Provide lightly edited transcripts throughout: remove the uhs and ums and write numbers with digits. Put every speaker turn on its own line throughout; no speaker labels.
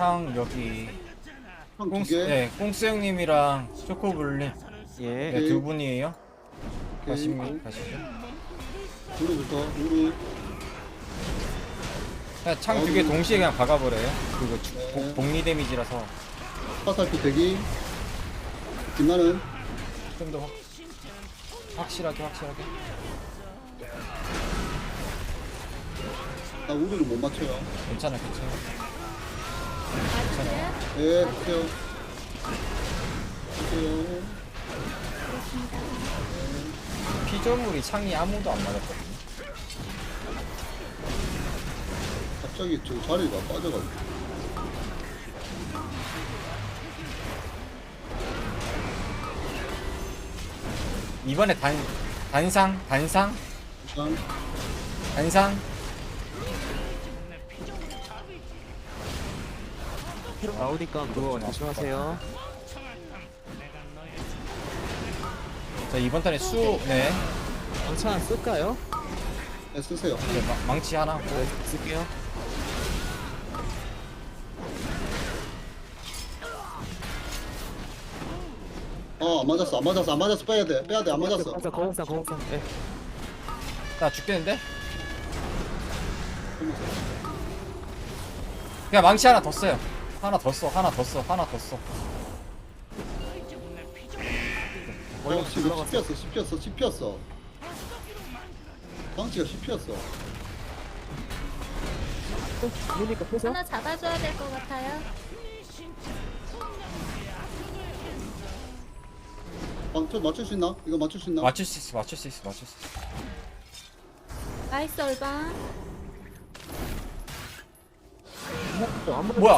창 여기
형 두
꽁스,
개.
네, 꽁스 형님이랑 초코블리
예.
네, 두 분이에요.
오케이.
가시죠.
우르부터 우르.
그냥 창 두 개 동시에 그냥 박아버려요. 그거
네.
복리 데미지라서
화살표 대기. 빛나는.
좀 더 확실하게.
나 우르를 못 맞춰요.
괜찮아.
맞으세요?
예, 보세요. 보세요.
피조물이 창이 아무도 안 맞았거든요.
갑자기 저 자리가 빠져가지고.
이번에 단상.
일단
나오니까 그거 조심하세요.
자 이번 턴에 네.
방차 쓸까요?
네, 쓰세요.
네, 망치 하나.
네, 쓸게요.
안 맞았어. 빼야 돼. 안 맞았어.
거북상. 예.
나 죽겠는데? 그냥 망치 하나 더 써요. 하나 더 써.
지금 씹혔어. 방치가 씹혔어.
그러니까 펴서.
하나 잡아줘야 될 것 같아요.
방치 맞출 수 있나? 이거 맞출 수 있나?
맞출 수 있어.
나이스 얼방.
뭐야?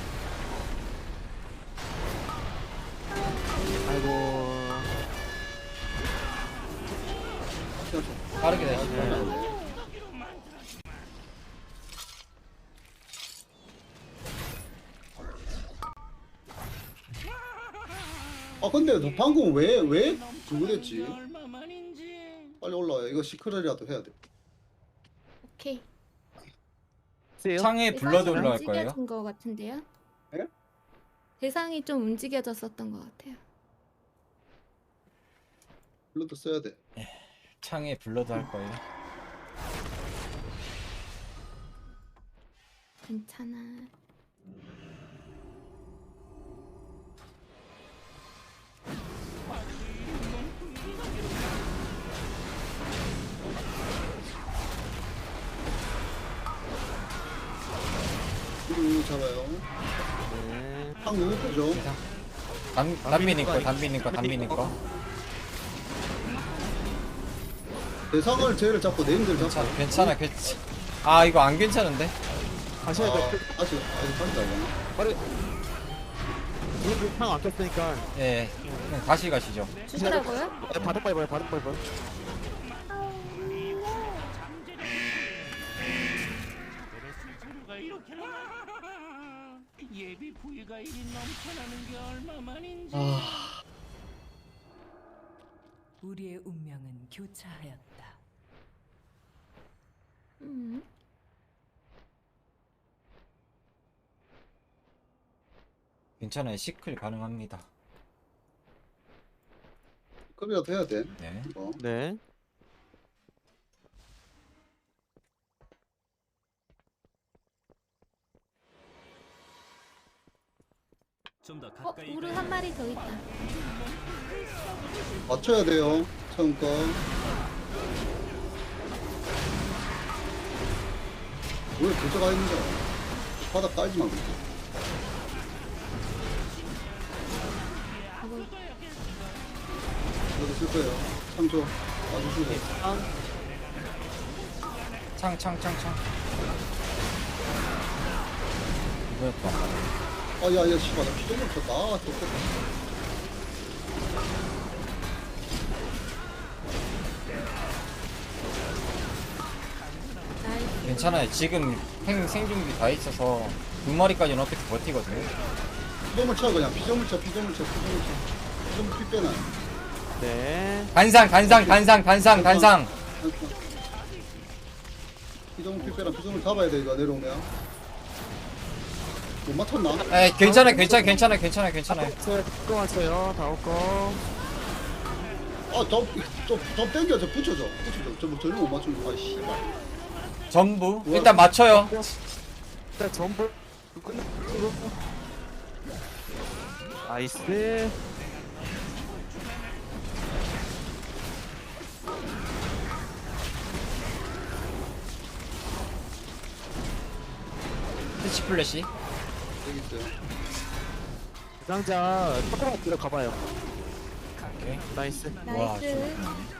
아이고.
빠르게 돼.
근데 너 방금 왜 그거 됐지? 빨리 올라와. 이거 시크릿이라도 해야 돼.
오케이.
세요?
창에 블러드 올라갈 거예요.
움직여진 것 같은데요?
예?
대상이 좀 움직여졌었던 것 같아요.
블러드 써야 돼.
창에 블러드 할 거예요.
괜찮아.
우르 잡아요.
네.
방 누구 거죠?
단비님 거.
대상을 쟤를 잡고 네임들 잡고.
괜찮아. 아 이거 안 괜찮은데?
다시 해야 돼.
아직 빨리 나가.
빠르. 창안 켰으니까.
예. 그냥 다시 가시죠.
주시라고요?
바닥 밟아요.
예비 부위가 이리 넘쳐나는 게 얼마만인지.
우리의 운명은 교차하였다.
괜찮아요. 시클 가능합니다.
급이라도 해야 돼.
네.
이거.
네.
좀 더 가까이.
우르 한 마리 더 있다.
맞춰야 돼요. 처음 거. 왜 도저가 있는 거야? 바닥 깔지 말고. 이거 쓸 거예요. 참조. 빠주시고.
창. 이거였다.
야, 씨발, 나 피도 못 쳤다. 좋겠다.
나이스.
괜찮아요. 지금 생중기 다 있어서 두 마리까지는 어떻게 버티거든요.
피조물 쳐, 그냥. 피조물 쳐. 피조물 피 빼놔.
네.
단상.
피조물 피 빼라. 피조물 잡아야 돼, 이거 내려오면. 못 맞췄나?
에 괜찮아요.
거 맞춰요. 다음 거.
아좀 땡겨 저 붙여줘 저를 못 맞추는 거. 아 씨발.
전부 일단 맞춰요.
일단 전부 나이스.
스치 플래시.
여기 있어요.
상자 조금만 들어가봐요.
오케이.
나이스.
나이스.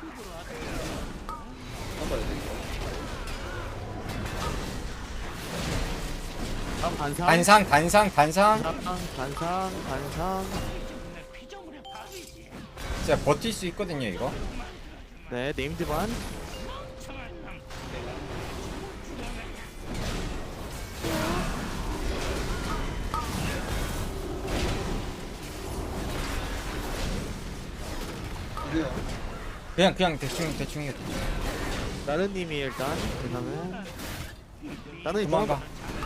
잡아야 돼.
다음 반상.
단상.
반상.
피조물의 밥이지.
진짜 버틸 수 있거든요 이거.
네, 네임드 반.
이게요.
그냥 대충 해.
나른님이 일단 그다음에 나른이
도망가.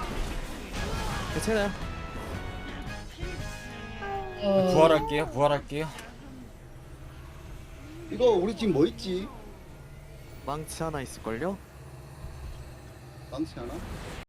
괜찮아요.
부활할게요.
이거 우리 지금 뭐 있지?
망치 하나 있을걸요?
망치 하나?